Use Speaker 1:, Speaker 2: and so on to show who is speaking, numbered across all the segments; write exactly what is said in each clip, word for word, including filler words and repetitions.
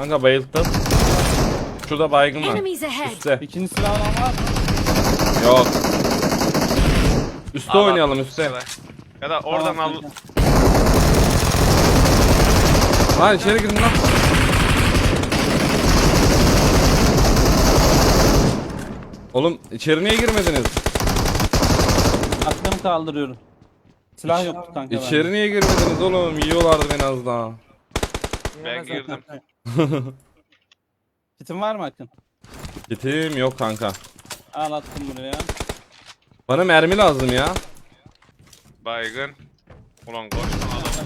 Speaker 1: Kanka bayılttım. Şurada baygın var.
Speaker 2: Enemies ahead.
Speaker 1: Üstte.
Speaker 3: İkinci silah olan var mı?
Speaker 1: Yok. Üste
Speaker 4: Al,
Speaker 1: oynayalım
Speaker 4: al,
Speaker 1: üste.
Speaker 4: Ya da oradan
Speaker 3: Tamam,
Speaker 4: al.
Speaker 3: kanka.
Speaker 1: Lan içeri girin lan. Oğlum içeri niye girmediniz?
Speaker 3: Aklımı kaldırıyorum. Silah yoktu kanka.
Speaker 1: İçeri
Speaker 3: bende.
Speaker 1: niye girmediniz oğlum? Yiyorlardı beni az daha.
Speaker 4: Ben girdim.
Speaker 3: Kitin var mı Akın?
Speaker 1: Gitim yok kanka.
Speaker 3: Al attım buraya.
Speaker 1: Bana mermi lazım ya.
Speaker 4: Baygın. Ulan koştum adam.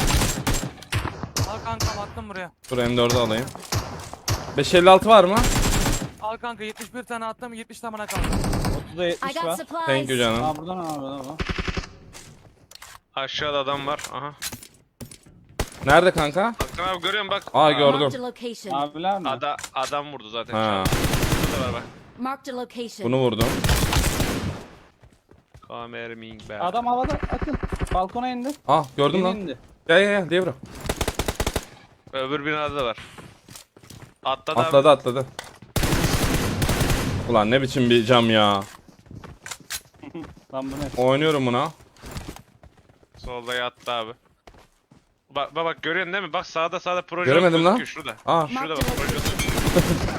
Speaker 5: Al kanka attım buraya.
Speaker 1: Dur M dördü alayım. beş elli altı var mı?
Speaker 5: Al kanka yetmiş bir tane attım yetmiş tane bana kaldı.
Speaker 3: otuzda
Speaker 2: I
Speaker 3: yetmiş
Speaker 2: got
Speaker 3: var.
Speaker 2: supplies.
Speaker 1: Thank you canım.
Speaker 3: Aa buradan al buradan al.
Speaker 4: Aşağıda adam var. Aha.
Speaker 1: Nerede kanka?
Speaker 4: Hakan abi görüyorum bak.
Speaker 1: Aa gördüm.
Speaker 2: Marked a location.
Speaker 3: Abiler mi?
Speaker 4: Ada, adam vurdu zaten.
Speaker 1: Ha.
Speaker 4: Şurada var bak.
Speaker 2: Marked a location.
Speaker 1: Bunu vurdum.
Speaker 4: Kamerming be.
Speaker 3: Adam havada Akın. Balkona indi.
Speaker 1: Ah gördüm
Speaker 3: Yeni
Speaker 1: lan.
Speaker 3: indi.
Speaker 1: Gel gel gel devre.
Speaker 4: Öbür binada da var. Atladı,
Speaker 1: Atladı
Speaker 4: abi.
Speaker 1: atladı. Ulan ne biçim bir cam ya.
Speaker 3: Lan bu ne?
Speaker 1: Oynuyorum buna.
Speaker 4: Solda yattı abi. Bak bak, bak görüyorsun değil mi? Bak sağda sağda proje
Speaker 1: Göremedim lan.
Speaker 4: gözüküyor şurada.
Speaker 1: Ah
Speaker 4: Şurada
Speaker 2: Marked
Speaker 4: bak
Speaker 2: a
Speaker 4: proje.
Speaker 2: location.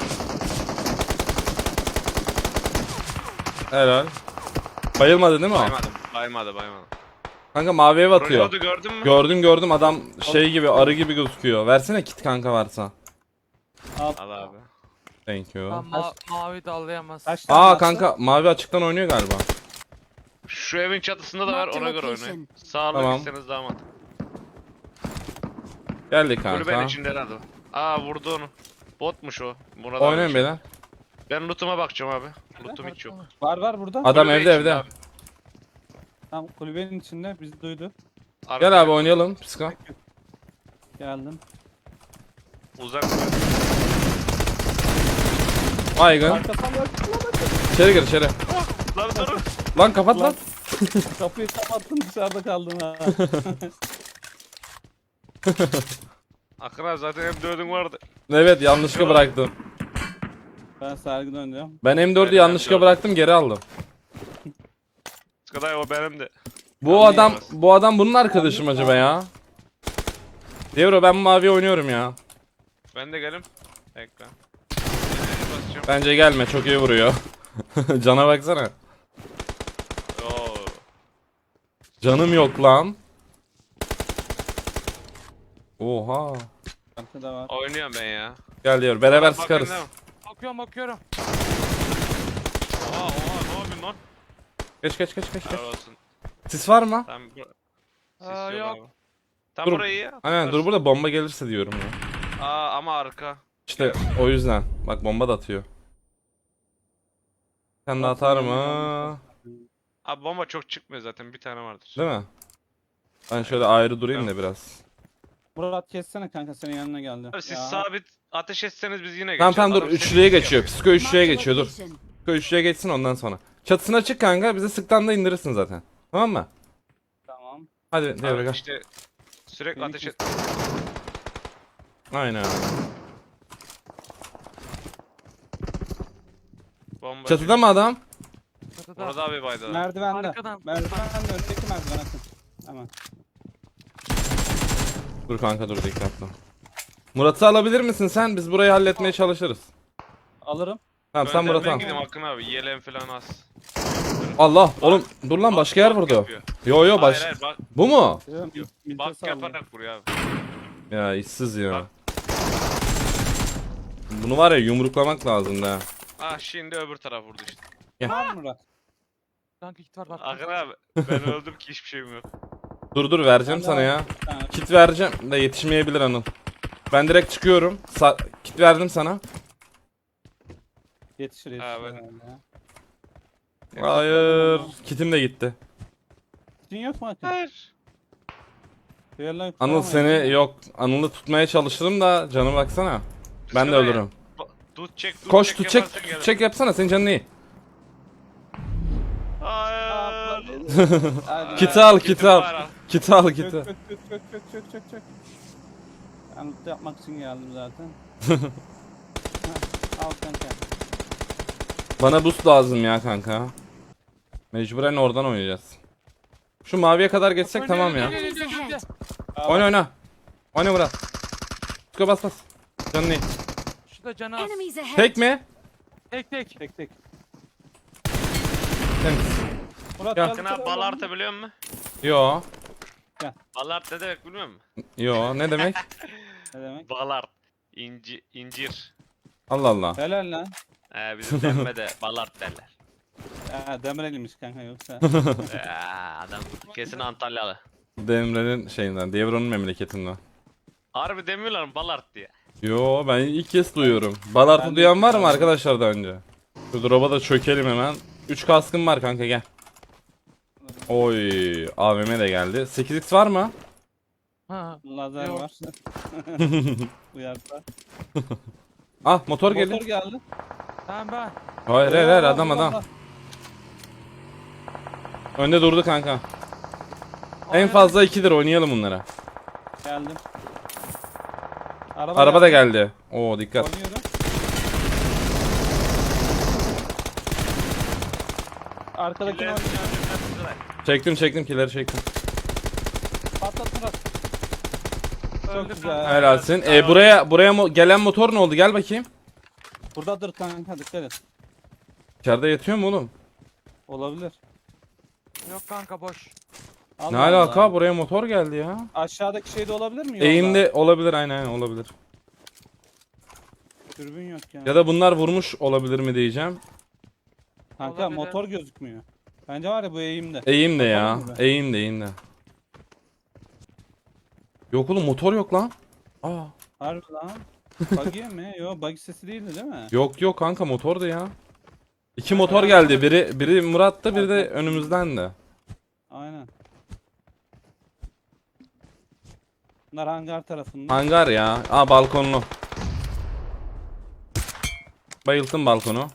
Speaker 1: helal. Bayılmadı değil mi o?
Speaker 4: Baymadım. Baymadı baymadı.
Speaker 1: Kanka mavi ev
Speaker 4: Proje
Speaker 1: atıyor.
Speaker 4: oldu gördün mü?
Speaker 1: Gördüm gördüm adam şey gibi arı gibi gözüküyor. Versene kit kanka varsa.
Speaker 3: Al.
Speaker 4: Al abi.
Speaker 1: Thank you.
Speaker 5: Lan ma mavi dallayamaz.
Speaker 3: Kaç tane
Speaker 1: Aa
Speaker 3: attı?
Speaker 1: kanka mavi açıktan oynuyor galiba.
Speaker 4: Şu evin çatısında da var, ona göre oynayın. Sağlık
Speaker 1: Tamam.
Speaker 4: iseniz daha mantıklı.
Speaker 1: Geldik
Speaker 4: Kulübenin
Speaker 1: kanka.
Speaker 4: içinde herhalde. Aa vurdu onu. Botmuş o. Buna da
Speaker 1: Oynayın
Speaker 4: bir şey.
Speaker 1: beyler.
Speaker 4: Ben loot'uma bakacağım abi. Loot'um hiç yok.
Speaker 3: Var var burada.
Speaker 1: Adam
Speaker 4: Kulübe
Speaker 1: evde
Speaker 4: içinde
Speaker 1: evde.
Speaker 4: abi.
Speaker 3: Tam kulübenin içinde bizi duydu.
Speaker 4: Arkaya
Speaker 1: Gel abi oynayalım. Psika.
Speaker 3: Geldim.
Speaker 4: Uzak.
Speaker 1: Baygın.
Speaker 3: Arkasından yok.
Speaker 1: İçeri gir içeri.
Speaker 4: Lan dur.
Speaker 1: Lan kapat lan.
Speaker 3: Kapıyı kapattım dışarıda kaldım ha.
Speaker 4: Akın abi zaten M dördün vardı.
Speaker 1: Evet yanlışlıkla bıraktım.
Speaker 3: Ben sergi dönüyorum.
Speaker 1: Ben M dördü
Speaker 4: Ben
Speaker 1: yanlışlıkla
Speaker 4: M dört.
Speaker 1: bıraktım geri aldım.
Speaker 4: Skday o benim de.
Speaker 1: Bu adam
Speaker 4: Anlayamaz.
Speaker 1: bu adam bunun arkadaşı mı acaba ya? Devro ben mavi oynuyorum ya.
Speaker 4: Ben de gelim. Bekle. Nereye basacağım?
Speaker 1: Bence gelme çok iyi vuruyor. Cana baksana.
Speaker 4: Oo.
Speaker 1: Canım yok lan. Oha.
Speaker 3: Arkada var.
Speaker 4: Oynuyorum ben ya.
Speaker 1: Gel diyor beraber
Speaker 4: Bakın
Speaker 1: sıkarız.
Speaker 4: değil mi?
Speaker 5: Bakıyorum bakıyorum.
Speaker 4: Oha oha ne yapıyorsun lan?
Speaker 1: Geç geç geç geç geç.
Speaker 4: Helal olsun.
Speaker 1: Sis var mı?
Speaker 4: Tam bu... Sis
Speaker 5: Aa,
Speaker 4: yok.
Speaker 5: yok.
Speaker 4: Abi. Tam
Speaker 1: Dur.
Speaker 4: burayı ya.
Speaker 1: Aynen dur burada bomba gelirse diyorum ya.
Speaker 4: Aa ama arka.
Speaker 1: İşte o yüzden. Bak bomba da atıyor. Sen de atar mı?
Speaker 4: Abi bomba çok çıkmıyor zaten, bir tane vardır.
Speaker 1: Değil mi? Ben şöyle ayrı durayım da biraz.
Speaker 3: Murat kessene kanka senin yanına geldi.
Speaker 4: Abi siz
Speaker 3: Ya.
Speaker 4: sabit ateş etseniz biz yine
Speaker 1: Tamam
Speaker 4: geçeriz.
Speaker 1: tamam dur
Speaker 4: Adam seni
Speaker 1: üçlüye
Speaker 4: şey
Speaker 1: geçiyor.
Speaker 4: yapıyor.
Speaker 1: Psiko üçlüye
Speaker 2: Marked a
Speaker 1: geçiyor dur.
Speaker 2: location.
Speaker 1: Psiko üçlüye geçsin ondan sonra. Çatısına çık kanka bize sıktan da indirirsin zaten. Tamam mı?
Speaker 3: Tamam.
Speaker 1: Hadi
Speaker 4: Abi
Speaker 1: devre gel.
Speaker 4: işte sürekli
Speaker 3: Beni
Speaker 4: ateş et.
Speaker 1: Aynen.
Speaker 4: Bomba.
Speaker 1: Çatıda mı adam?
Speaker 5: Çatıda.
Speaker 4: Orada abi baydı.
Speaker 3: Merdivende.
Speaker 5: Arkadan.
Speaker 3: Merdivende öndeki merdiven atın. Hemen.
Speaker 1: Dur kanka dur dikkatli. Murat'ı alabilir misin sen? Biz burayı halletmeye çalışırız.
Speaker 3: Alırım.
Speaker 1: Tamam sen Murat'ı
Speaker 4: Ben
Speaker 1: al.
Speaker 4: gideyim Akın abi, yelen falan az.
Speaker 1: Allah oğlum dur lan başka yer
Speaker 4: Bak
Speaker 1: vurdu.
Speaker 4: yapıyor.
Speaker 1: Yo yo
Speaker 4: Hayır
Speaker 1: baş.
Speaker 4: hayır bak,
Speaker 1: Bu mu?
Speaker 3: Diyorum, milite
Speaker 4: bak
Speaker 3: sallıyor.
Speaker 4: yaparak vuruyor abi.
Speaker 1: Ya işsiz ya.
Speaker 4: Bak.
Speaker 1: Bunu var ya yumruklamak lazım da.
Speaker 4: Ah şimdi öbür taraf vurdu işte.
Speaker 3: Var mı Murat?
Speaker 5: Kanka kit var bak.
Speaker 4: Akın abi ben öldüm ki hiçbir şeyim yok.
Speaker 1: Dur dur vereceğim
Speaker 3: Ben de
Speaker 1: sana
Speaker 3: var.
Speaker 1: ya.
Speaker 3: Bir tane.
Speaker 1: Kit vereceğim de yetişmeyebilir Anıl. Ben direkt çıkıyorum. Sa kit verdim sana.
Speaker 3: Yetişir yetişir.
Speaker 4: Ha, ben-
Speaker 3: herhalde ya.
Speaker 1: Hayır. Kitim de gitti.
Speaker 3: Kitin yok mu Akın?
Speaker 4: Hayır.
Speaker 3: Diğerleri
Speaker 1: Anıl
Speaker 3: tutamayız.
Speaker 1: seni yok. Anıl'ı tutmaya çalıştım da canı baksana. Ben de
Speaker 4: Şuraya.
Speaker 1: ölürüm.
Speaker 4: Ba- Tut çek tut
Speaker 1: Koş
Speaker 4: çek
Speaker 1: tut çek
Speaker 4: yaparsan
Speaker 1: tut
Speaker 4: gelir.
Speaker 1: çek yapsana senin canın iyi.
Speaker 4: Hayır.
Speaker 3: Hadi.
Speaker 1: Kiti al
Speaker 4: Kitim
Speaker 1: kiti al.
Speaker 4: var, al.
Speaker 1: Kiti al
Speaker 3: Çök
Speaker 1: kiti.
Speaker 3: çök çök çök çök çök çök çök. Ben loot yapmak için geldim zaten. Heh, al kanka.
Speaker 1: Bana boost lazım ya kanka. Mecburen oradan oynayacağız. Şu maviye kadar geçsek tamam ya.
Speaker 2: Enemies ahead.
Speaker 3: Aa,
Speaker 1: Oyna oyna. Oyna Murat. Çıkıyor bas bas. Canın iyi.
Speaker 5: Şu da canı az.
Speaker 2: Enemies ahead.
Speaker 1: Tek mi?
Speaker 5: Tek tek.
Speaker 3: Tek tek.
Speaker 1: Temiz.
Speaker 3: Murat
Speaker 1: Ya.
Speaker 3: gel.
Speaker 4: Bakın abi Ballart'ı biliyor musun?
Speaker 1: Yo.
Speaker 4: Ballart ne demek bilmiyor musun?
Speaker 1: Yo ne demek?
Speaker 3: Ne demek?
Speaker 4: Ballart. İnci, incir.
Speaker 1: Allah Allah.
Speaker 3: Helal lan.
Speaker 4: Ee, bizim demme Ballart derler.
Speaker 3: Ha, Demirel'iymiş kanka yoksa.
Speaker 4: Ee, adam kesin Antalyalı.
Speaker 1: Demre'nin şeyinden, Devron'un memleketinden.
Speaker 4: Harbi demiyorlar mı Ballart diye?
Speaker 1: Yo ben ilk kez duyuyorum. Balart'ı
Speaker 3: Ben de
Speaker 1: duyan
Speaker 3: ilk
Speaker 1: var
Speaker 3: kez
Speaker 1: mı
Speaker 3: duydum.
Speaker 1: arkadaşlar daha önce? Şu drop'a da çökelim hemen. üç kaskım var kanka gel. Oy A V M de geldi. sekiz x var mı?
Speaker 5: Ha.
Speaker 3: Lazer
Speaker 5: Yok.
Speaker 3: var. Uyarsa.
Speaker 1: Ah motor
Speaker 3: Motor
Speaker 1: geldi.
Speaker 3: geldi.
Speaker 5: Tamam ben.
Speaker 1: Hayır hayır hayır adam
Speaker 3: Allah
Speaker 1: adam.
Speaker 3: Allah.
Speaker 1: Önde durdu kanka. En
Speaker 5: Aynen.
Speaker 1: fazla ikidir oynayalım bunlara.
Speaker 3: Geldim. Araba,
Speaker 1: Araba da geldi. Oo dikkat.
Speaker 3: Oynuyorum. Arkadakini
Speaker 4: Killerin
Speaker 3: oynuyorum.
Speaker 4: önünden
Speaker 1: Çektim çektim killeri çektim.
Speaker 3: Patlat Murat. Çok
Speaker 5: Öldü
Speaker 3: güzel.
Speaker 5: kanka.
Speaker 1: Helalsin. E buraya buraya mo- gelen motor ne oldu? Gel bakayım.
Speaker 3: Burada dur kanka dikkat et.
Speaker 1: İçeride yatıyor mu oğlum?
Speaker 3: Olabilir.
Speaker 5: Yok kanka boş.
Speaker 3: Allah
Speaker 1: Ne
Speaker 3: Allah.
Speaker 1: alaka? Buraya motor geldi ya.
Speaker 3: Aşağıdaki şey de olabilir mi? Yolda?
Speaker 1: Eğimde olabilir aynen aynen olabilir.
Speaker 3: Dürbün yok ya.
Speaker 1: Ya da bunlar vurmuş olabilir mi diyeceğim.
Speaker 3: Kanka
Speaker 5: Olabilir.
Speaker 3: motor gözükmüyor. Bence var ya bu eğimde.
Speaker 1: Eğim de ya.
Speaker 3: Yapalım mı be?
Speaker 1: Eğim de eğim de. Yok oğlum motor yok lan. Aa.
Speaker 3: Harbi lan. Buggy mi? Yo buggy sesi değildi değil mi?
Speaker 1: Yok yok kanka motordu ya. İki motor geldi. Biri biri Murat'ta biri de önümüzden de.
Speaker 3: Aynen. Bunlar hangar tarafında.
Speaker 1: Hangar ya. Aa balkonlu. Bayılttım balkonu.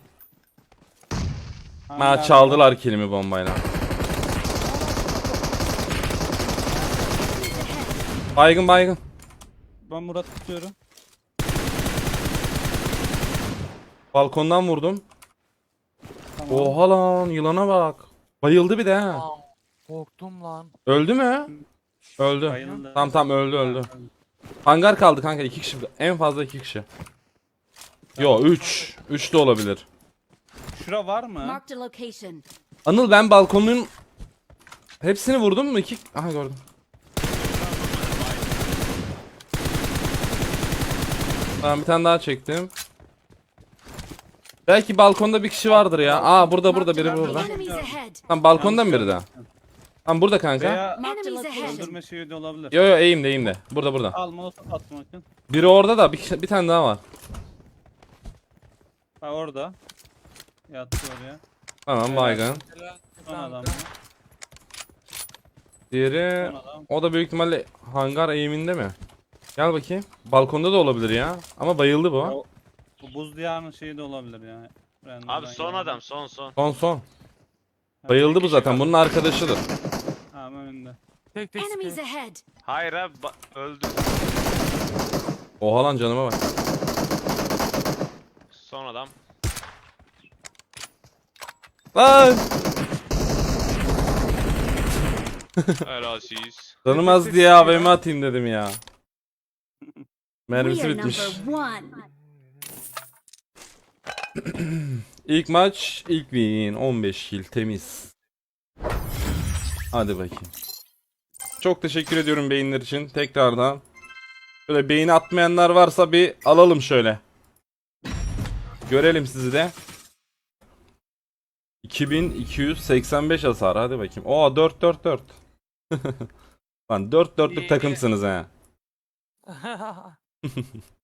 Speaker 1: Ha
Speaker 3: Hangar-
Speaker 1: çaldılar kilimi bombayla. Baygın baygın.
Speaker 3: Ben Murat tutuyorum.
Speaker 1: Balkondan vurdum.
Speaker 3: Tamam.
Speaker 1: Oha lan yılana bak. Bayıldı bir de ha.
Speaker 5: Aa, korktum lan.
Speaker 1: Öldü mü? Öldü.
Speaker 3: Bayıldı.
Speaker 1: Tamam tamam öldü öldü. Hangar kaldı kanka iki kişi. En fazla iki kişi. Yo üç. üç de olabilir.
Speaker 3: Şura var mı?
Speaker 2: Marked a location.
Speaker 1: Anıl ben balkonun hepsini vurdum mu? İki... Aha gördüm. Tamam bir tane daha çektim. Belki balkonda bir kişi vardır ya. Aa burada burada biri burada.
Speaker 2: Enemies ahead.
Speaker 1: Tamam balkonda mı biri daha? Tamam burada kanka.
Speaker 3: Veya
Speaker 2: Marked a
Speaker 3: öldürme
Speaker 2: location.
Speaker 3: şeyi de olabilir.
Speaker 1: Yo yo eğimde eğimde. Burada burada.
Speaker 3: Al molotof attım bakın.
Speaker 1: Biri orada da bir, bir tane daha var.
Speaker 3: Ha orada. Yattı oraya.
Speaker 1: Tamam baygın.
Speaker 5: Helal.
Speaker 3: Son
Speaker 5: Tamam,
Speaker 3: adam.
Speaker 5: tamam.
Speaker 1: Diğeri
Speaker 3: Son adam.
Speaker 1: o da büyük ihtimalle hangar eğiminde mi? Gel bakayım. Balkonda da olabilir ya. Ama bayıldı bu.
Speaker 3: O- Bu buz diyarının şeyi de olabilir ya. Random'dan
Speaker 4: Abi son
Speaker 3: geldi.
Speaker 4: adam son son.
Speaker 1: Son son. Bayıldı bu zaten. Bunun arkadaşıdır.
Speaker 3: Ha önünde.
Speaker 5: Tek tek
Speaker 2: Enemies
Speaker 5: sıkıyor.
Speaker 2: ahead.
Speaker 4: Hayır abi ba- öldü.
Speaker 1: Oha lan canıma bak.
Speaker 4: Son adam.
Speaker 1: Lan!
Speaker 4: Helal siz.
Speaker 1: Canım az diye A V M atayım dedim ya. Mermisi
Speaker 2: We are
Speaker 1: bitmiş.
Speaker 2: number one.
Speaker 1: İlk maç, ilk win. on beş kill temiz. Hadi bakayım. Çok teşekkür ediyorum beyinler için tekrardan. Şöyle beğeni atmayanlar varsa bir alalım şöyle. Görelim sizi de. iki bin iki yüz seksen beş hasar hadi bakayım. Oo dört dört dört. Lan dört dörtlük
Speaker 5: İyi.
Speaker 1: takımsınız ha.